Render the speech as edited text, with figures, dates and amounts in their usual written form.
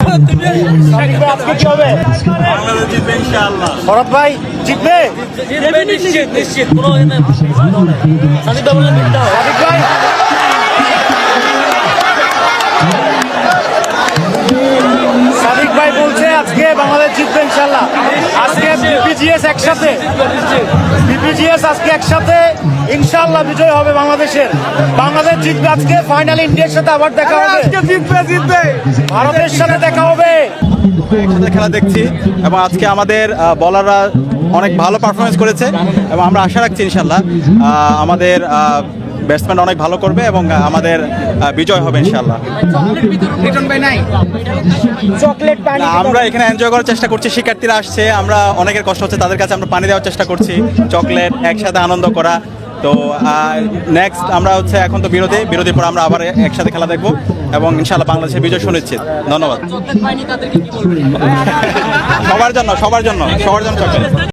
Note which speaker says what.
Speaker 1: আজকে কি হবে?
Speaker 2: বাংলাদেশ জিতবে ইনশাআল্লাহ।
Speaker 1: ভরত ভাই জিতবে?
Speaker 3: নিশ্চিত নিশ্চিত কোনো সাদিক ভাই
Speaker 1: সাদিক ভাই বলছে আজকে বাংলাদেশ জিতবে ইনশাল্লাহ। আজকে বিপিজিএস একসাথে, বিপিজিএস আজকে একসাথে ইনশাল্লাহ বিজয় হবে বাংলাদেশের। বাংলাদেশ জিতবে আজকে। ফাইনালি ইন্ডিয়ার সাথে আবার দেখা হবে,
Speaker 2: জিতবে।
Speaker 1: ভারতের সাথে দেখা হবে।
Speaker 2: একসাথে খেলা দেখছি এবং আজকে আমাদের বলাররা অনেক ভালো পারফরমেন্স করেছে এবং আমরা আশা রাখছি ইনশাল্লাহ আমাদের ব্যাটসম্যান অনেক ভালো করবে এবং আমাদের বিজয় হবে ইনশাল্লাহ। না, আমরা এখানে এনজয় করার চেষ্টা করছি। শিক্ষার্থীরা আসছে, আমরা অনেকের কষ্ট হচ্ছে, তাদের কাছে আমরা পানি দেওয়ার চেষ্টা করছি, চকলেট, একসাথে আনন্দ করা। তো নেক্সট আমরা হচ্ছে এখন তো বিরতির পর আমরা আবার একসাথে খেলা দেখবো এবং ইনশাল্লাহ বাংলাদেশের বিজয় সুনিশ্চিত। ধন্যবাদ। সবার জন্য চকলেট।